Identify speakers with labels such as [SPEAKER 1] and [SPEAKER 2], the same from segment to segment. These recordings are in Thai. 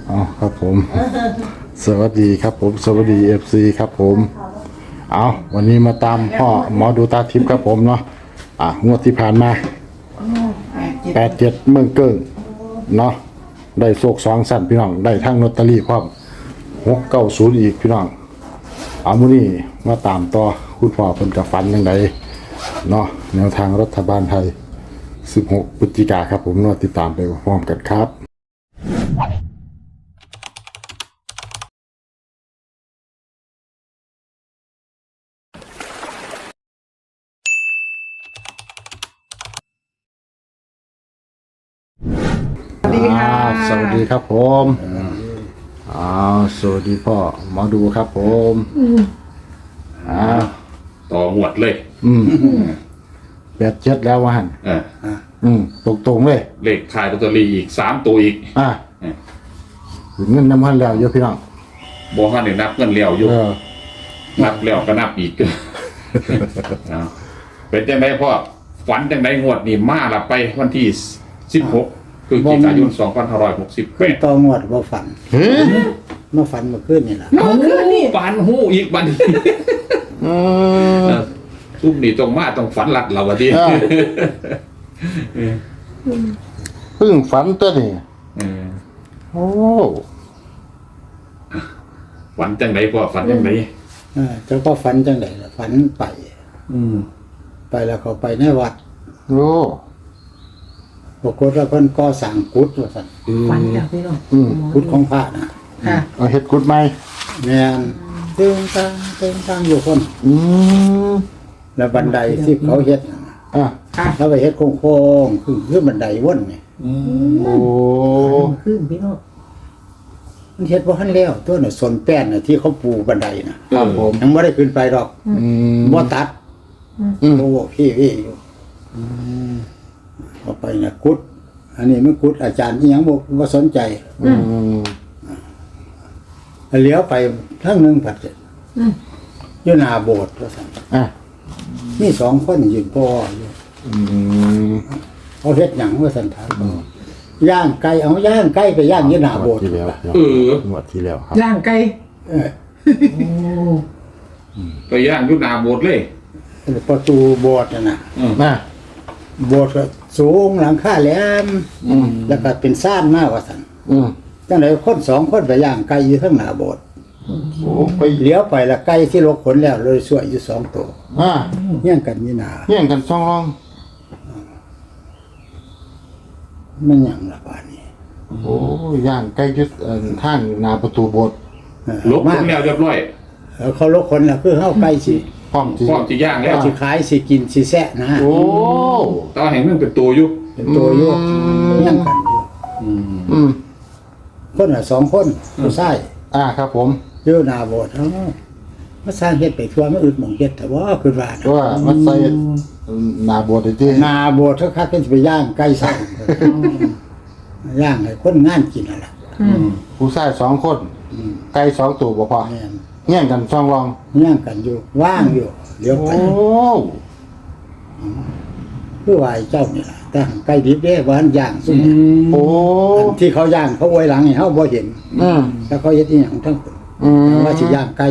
[SPEAKER 1] อ๋อครับผมสวัสดีครับผมสวัสดีFCครับผมเอาวันนี้มาตามพ่อหมอดูตาทิพย์ครับผมเนาะงวดที่ผ่านมา87เมืองเกิ้งเนาะได้โศก2สั่นพี่น้องได้ทั้งลอตเตอรี่พร้อม690อีกพี่น้องเอามื้อนี้มาตามต่อคุณพ่อเพิ่นกับฝันจังไดเนาะแนวทางรัฐบาลไทย16พฤศจิกายนครับผมเนาะติดตามไปพร้อมกันครับ
[SPEAKER 2] สวัสดีค่ะ
[SPEAKER 1] สวัสดีครับผมสวัสดีพ่อหมอดูครับผม
[SPEAKER 3] ต่อหวดเลย
[SPEAKER 1] 87แล้ววะหันตรงๆเลย
[SPEAKER 3] เลขขายลอตเตอรี่อีก3ตัวอีก
[SPEAKER 1] ถึงเงินน้ำพันแล้วเยอะพี่น้อง
[SPEAKER 3] บ่ฮั่นได้นับเงินแล้วอยู่นับแล้วก็นับอีก เป็นจังไดพ่อฝันจังไดงวดนี่มาละไปวันที่16พฤศจิกายน2568
[SPEAKER 2] ต่องวดบ่ฝันมาฝันเมื่อคืนนี่ล่ะ
[SPEAKER 3] ฝันหูอีกบัดนี้ซุ่มนี่ต้องมาต้องฝันหลัดเราว่าดิ
[SPEAKER 1] เพิ่งฝันตัวนี่โอ้
[SPEAKER 3] ฝันจังไดพ่อฝันจังได
[SPEAKER 2] เจ้าก็ฝันจังไดล่ะฝันไปไปแล้วเขาไปในวัด
[SPEAKER 1] โอ้
[SPEAKER 2] ปรากฏว่าเพิ่นก่อสร้างกุฏว่าซั่น
[SPEAKER 4] ฝันแล้วพี่น้อง
[SPEAKER 2] กุฏของพระน่ะ
[SPEAKER 4] ค่ะ
[SPEAKER 1] เอาเฮ็ดกุดไหม
[SPEAKER 2] แม่นเติมตั้งอยู่คน แล้วบันไดที่เขาเฮ็ดน่ะ
[SPEAKER 4] ค่ะ
[SPEAKER 2] แล้วไปเฮ็ดโค้งๆคือบันไดวนนี่
[SPEAKER 1] โอ้
[SPEAKER 4] ขึ้นพี่น้อง
[SPEAKER 2] มันเฮ็ดบ่ทันแล้วตัวน่ะสนแป้นน่ะที่เขาปูบันไดน่ะ
[SPEAKER 1] ครับผม
[SPEAKER 2] ยังบ่ได้ขึ้นไปดอกบ่ตัดโอ้พี่อยู่เอาไปน่ะกุดอันนี้มันกุดอาจารย์อีหยังบ่สนใจเลี้ยวไปทางนึงผัดอยู่หน้าโบสถ์ว่าซั่นมี2คนยืนพ่ออยู่เขาเฮ็ดหยังว่าซั่นถามย่างไก่เอาย่างไก่ไปย่างอยู่หน้าโบสถ์
[SPEAKER 1] ที่แล้วงวดที่แล้วครับ
[SPEAKER 4] ย่างไก่
[SPEAKER 3] ไปย่างอยู่หน้าโบสถ์เลย
[SPEAKER 2] ประตูโบสถ์น่ะ โบสถ์ก็สูงหลังคาแหลมแล้วก็เป็นซ่านมากว่าซั่นจังได๋คน2คนไปย่างไก่อยู่ข้างหน้าโบสถ์โอ้ไปเลี้ยวไปแล้วไก่ที่ลกขนแล้วเลยสวยอยู่2ตัวเฮียงกันอยู่หน้า
[SPEAKER 1] เฮี้ยงกันช่องร่อง
[SPEAKER 2] มันหยังล่ะบาดนี้
[SPEAKER 1] โอ้ย่างใกล้ยึดทางหน้าประตูโบสถ์
[SPEAKER 3] ลุกขึ้นแล้วเรียบร้อย
[SPEAKER 2] เขาลกขนแล้วคือเฮาไก่สิ
[SPEAKER 1] พร้อมที่
[SPEAKER 3] พร้อมจะย่างแล้ว
[SPEAKER 2] สิขายสิกินสิแซะนะ
[SPEAKER 1] โอ้
[SPEAKER 3] ตอนเห็นมันเป็นตัวอยู่
[SPEAKER 2] เป็นตัวอยู่เฮียงกันอยู่คนละ2คนผู้ชาย
[SPEAKER 1] ครับผม
[SPEAKER 2] อยู่หน้าโบสถ์มาสร้างเฮ็ดไปทั่วมันอึดหม่องเฮ็ดแต่ว่าคือว่านะ
[SPEAKER 1] ว่ามันใส่หน้าโบสถ์ที่
[SPEAKER 2] หน้าโบสถ์คักๆก็สิไปย่างไก่สั่งย่างให้คนงานกินนั่นล่ะ
[SPEAKER 1] ผู้ชาย2คนไก่2ตัวบ่พอ
[SPEAKER 2] แม่น
[SPEAKER 1] เฮี้ยงกันช่องร่อง
[SPEAKER 2] ย่างกันอยู่ว่างอยู่เดี๋ยวไป
[SPEAKER 1] โอ้
[SPEAKER 2] คือว่าไอ้เจ้านี่ล่ะแต่ไก่ดิบเด้ว่าอันย่างซุ่ม
[SPEAKER 1] โอ้
[SPEAKER 2] อันที่เขาย่างเขาไว้หลังให้เฮาบ่เห็นแล้วเขาเฮ็ดอีหยังทั้งคนว่าสิย่างไก่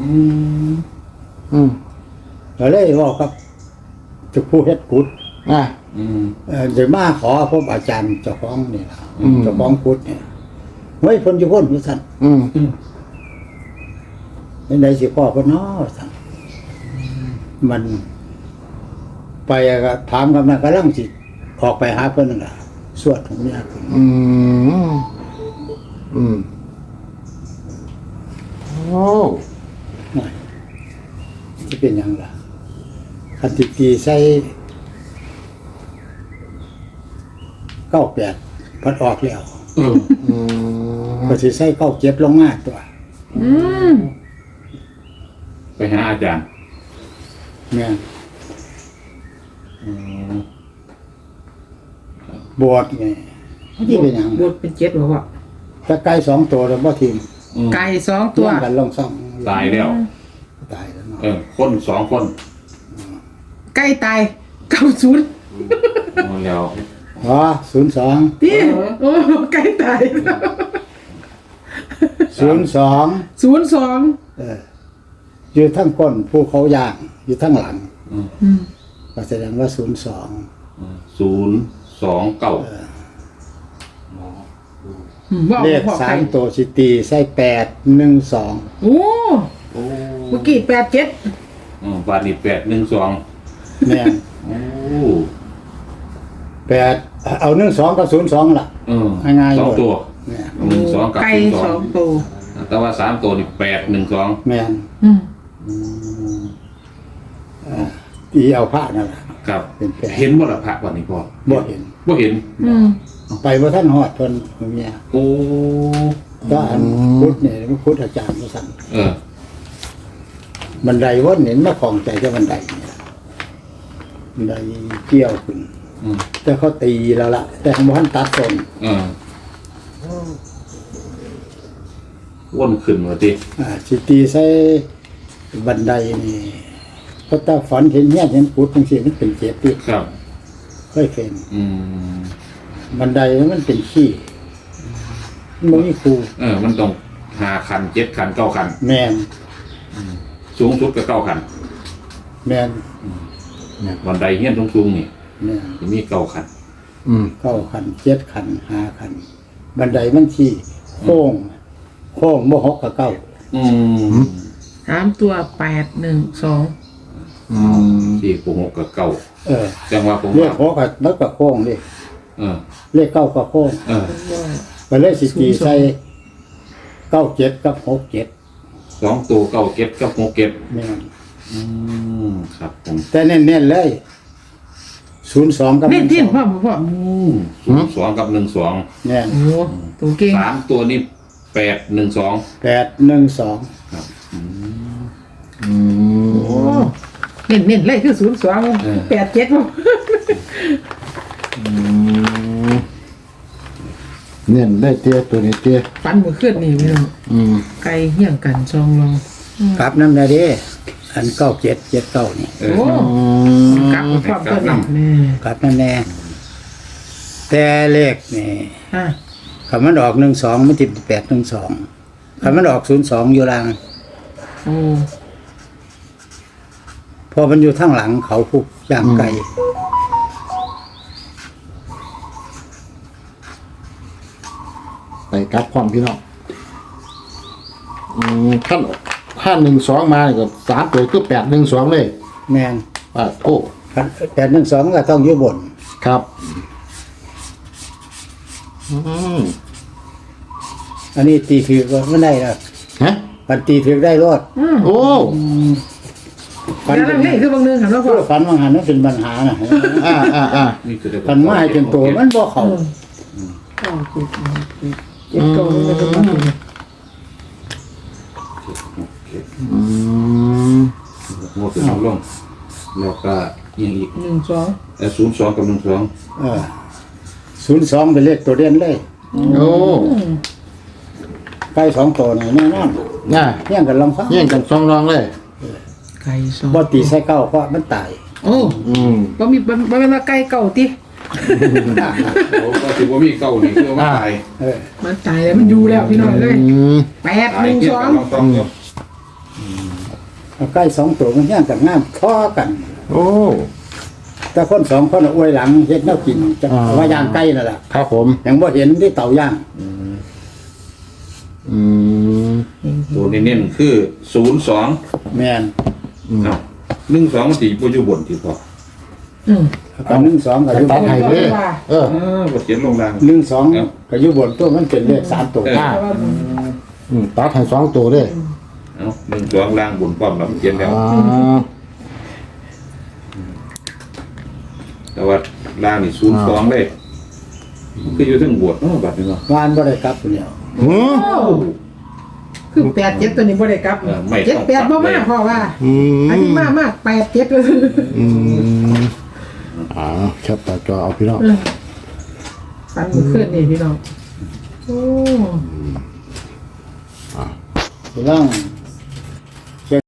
[SPEAKER 2] ก็เลยเว้ากับเจ้าผู้เฮ็ดกุฏเดี๋ยวมาขอพบอาจารย์เจ้าของนี่ล่ะเจ้าของกุฏเนี่ยเฮ้ยเพิ่นอยู่พุ่นว่าซั่นเป็นไดสิพ่อเพิ่นเนาะซั่นมันไปก็ถามกันกำลังสิออกไปหาเพิ่นนั่นล่ะสวดของเนี่ย
[SPEAKER 1] โอ้
[SPEAKER 2] สิเป็นหยังล่ะคันสิตีใส่98พัดออกแล้วก็สิใส่97ลงมาตัว
[SPEAKER 3] ไปหาอาจารย์
[SPEAKER 2] แม่นบวชไงที่เป็นหยัง
[SPEAKER 4] บวชเป็น7บ่พ่อ
[SPEAKER 2] ตะไก่2ตัวแล้วบ่ทีม
[SPEAKER 4] ไก่2ตัว
[SPEAKER 2] เลี้ยงกันลงซ่อง
[SPEAKER 3] ตายแล้ว
[SPEAKER 2] ตายแล้วเนาะ
[SPEAKER 3] คน2คน
[SPEAKER 4] ไก่ตาย90
[SPEAKER 3] แล้ว
[SPEAKER 2] 02
[SPEAKER 4] พี่โอ้ไก่ตาย
[SPEAKER 2] 02
[SPEAKER 4] 02
[SPEAKER 2] อยู่ทั้งก้นภูเขาย่างอยู่ทั้งหลัง
[SPEAKER 4] อืม
[SPEAKER 2] ก็แสดงว่า 02
[SPEAKER 3] 029
[SPEAKER 4] ว่า
[SPEAKER 2] เลข
[SPEAKER 4] พ่อใคร
[SPEAKER 2] 3ตัวสิตีใส่812
[SPEAKER 4] โอ้
[SPEAKER 3] โอ้
[SPEAKER 4] เมื่อกี้87
[SPEAKER 3] บาทนี่812
[SPEAKER 2] แม่น
[SPEAKER 3] โอ้
[SPEAKER 2] 8เอา12กับ02ล่ะ ง่ายๆ
[SPEAKER 3] สองตัว
[SPEAKER 2] เนี่ย
[SPEAKER 3] 12กับ
[SPEAKER 4] ไก่สอง
[SPEAKER 3] 02
[SPEAKER 4] ตัว
[SPEAKER 3] แต่ว่า3ตัวนี่812
[SPEAKER 2] แม่น
[SPEAKER 4] อืม
[SPEAKER 2] ตีเอาผ้านั่นล่ะ
[SPEAKER 3] ครับ
[SPEAKER 2] เป็นแปด
[SPEAKER 3] เห็นบ่ล่ะพระวันนี้พ่อ
[SPEAKER 2] บ่เห็น
[SPEAKER 3] บ่เห็น
[SPEAKER 4] อืม
[SPEAKER 2] ไปบ่ทันฮอดเพิ่นเมีย
[SPEAKER 3] โอ้
[SPEAKER 2] ก็อันพุทธเนี่ยมันพุทธอาจารย์มาสั่ง
[SPEAKER 3] เออ
[SPEAKER 2] บันไดวนเห็นมาของใจจะบันไดเนี่ยบันไดเกี่ยวขึ้น
[SPEAKER 3] อืม
[SPEAKER 2] แต่เขาตีแล้วล่ะ แต่เขาบ่ทันตัดต้น
[SPEAKER 3] วนขึ้นมาติ
[SPEAKER 2] สิตีใส่บันไดนี่เพราะถ้าฝันเห็นเฮียนเห็นพุทธจังซี่มันเป็นเจ็บที่
[SPEAKER 3] ครับ
[SPEAKER 2] ค่อยเป็น
[SPEAKER 3] อืม
[SPEAKER 2] บันไดมันเป็นขี้มันบ่มีครู
[SPEAKER 3] มันต้อง5คัน7คัน9คัน
[SPEAKER 2] แม่น
[SPEAKER 3] สูงสุดก็9คัน
[SPEAKER 2] แม่น
[SPEAKER 3] บันไดเฮียนสูงๆนี่
[SPEAKER 2] แม่น
[SPEAKER 3] จะมี9คัน
[SPEAKER 2] 9คัน7คัน5คัน บันไดมันขี้โค้งบ่หกกับเก้า
[SPEAKER 4] 3ตัว812
[SPEAKER 3] ที่ปู6กับ9จังว่าผม
[SPEAKER 2] เลข
[SPEAKER 3] ว่า
[SPEAKER 2] หกกับแล้วก็โค้งดิ
[SPEAKER 3] เออ
[SPEAKER 2] เลขเก้ากับโค้ง
[SPEAKER 3] เออ
[SPEAKER 2] ไปเลยสิตีใส่97กับ67
[SPEAKER 3] 2ตัว9เก็บกับ6เก็บ
[SPEAKER 2] แม่น
[SPEAKER 3] ครับผม
[SPEAKER 2] แต่เน้นๆเลย02กับ
[SPEAKER 4] เล่นที่พ่อพ่อ
[SPEAKER 3] 2กับ12
[SPEAKER 2] แม่น
[SPEAKER 4] โอ้ตัวเก่ง
[SPEAKER 3] 3ตัวนี้812
[SPEAKER 2] 812
[SPEAKER 3] ครับ
[SPEAKER 4] โอ้เน้นเลยคือ02 87บ่
[SPEAKER 1] เนี่ยได้เตี้ยตัวนี้เตี้ย
[SPEAKER 4] ฟันมือขึ้นนี่พี่น้องไก่เหี้ยงกันซองลอง
[SPEAKER 2] กลับนำได้เด้อัน9779นี่
[SPEAKER 4] โอ้กลับมาพร้อมกันนี่
[SPEAKER 2] กลับนั่นแน่แต่เลขนี่
[SPEAKER 4] อ่ะ
[SPEAKER 2] คันมันออก12มันสิ812คันมันออก02อยู่ล่าง
[SPEAKER 4] โอ้
[SPEAKER 2] พอมันอยู่ทางหลังเขาผู้ย่างไก่
[SPEAKER 1] ไปกลับความพี่น้องถ้า12มาก็3ตัวคือ812เลย
[SPEAKER 2] แม่น
[SPEAKER 1] โอ้
[SPEAKER 2] คัน812ก็ต้องอยู่บน
[SPEAKER 1] ครับ
[SPEAKER 2] อันนี้ตีถือก็ไม่ได้แล้ว
[SPEAKER 1] ฮะ
[SPEAKER 2] ปันตีถือได้รอด
[SPEAKER 1] โอ้
[SPEAKER 2] ปัน
[SPEAKER 4] แล้วนี่คือบางเรื่องค่ะเนาะพ่อ
[SPEAKER 2] ปันบางหันนั่นเป็นปัญหานะ
[SPEAKER 3] นี่คือ
[SPEAKER 2] ปันไม้จนโตมันบ่เข้า
[SPEAKER 4] เจ็ดโตเลยก็มาถึง
[SPEAKER 3] งวดเป็นลงแล้วก็ยังอีก
[SPEAKER 4] 12
[SPEAKER 3] 02กับ
[SPEAKER 2] 02เป็นเลขตัวเด่นเลย
[SPEAKER 1] โอ้
[SPEAKER 2] ไก่2ตัวนี่แน่นอน
[SPEAKER 1] น่ะ
[SPEAKER 2] เฮียงกันลองฟัง
[SPEAKER 1] แย่งกันซองรองเลย
[SPEAKER 4] ไก่ซอง
[SPEAKER 2] บ่ตีใส่เก้าเพราะมันตาย
[SPEAKER 4] โอ้บ่มีบ่แม่นว่าไก่เก่าติ
[SPEAKER 3] โอ้ก็ถือว่ามีเก้านี่คือว่าตาย
[SPEAKER 4] มันตายแล้วมันอยู่แล้วพี่น้องเอ้ย
[SPEAKER 3] ตายเกี่ยวกับ
[SPEAKER 4] 812
[SPEAKER 3] ต้องอยู่
[SPEAKER 2] เอาไก่2ตัวมันเฮียงกันงามท้อกัน
[SPEAKER 1] โอ้
[SPEAKER 2] แต่คน2คนอวยหลังเฮ็ดแนวกินจะว่าย่างไก่นั่นล่ะ
[SPEAKER 1] ครับผม
[SPEAKER 2] ยังบ่เห็นที่เตาย่าง
[SPEAKER 3] ตัวเน้นๆคือ02
[SPEAKER 2] แม่น
[SPEAKER 3] 12มันสิบ่อยู่บนที่พอ
[SPEAKER 2] ก็12ก็อยู่บ
[SPEAKER 1] ตัด
[SPEAKER 2] น
[SPEAKER 1] ให้เลย
[SPEAKER 3] บ่เขียนลงล่าง
[SPEAKER 2] 12ก็อยู่บนตัวมันเป็นเลข3ตัว
[SPEAKER 1] ตัดให้2ตัวเลย
[SPEAKER 3] 12ล่างบนพร้อมแล้วเขียนแล้ว แต่ว่าล่างนี่02เลยคืออยู่ถึงบวชบัดนี้เนาะ
[SPEAKER 2] วานบ่ได้กลับเนี่ย
[SPEAKER 4] คือ87ตัวนี้บ่ได้กลับ78บ่มาพ่อว่าอันนี้มาก87เลย
[SPEAKER 1] แคปตาจอเอาพี่น้อง
[SPEAKER 4] ฟันมือขึ้นนี่พี่น้องโอ้
[SPEAKER 2] ร่าง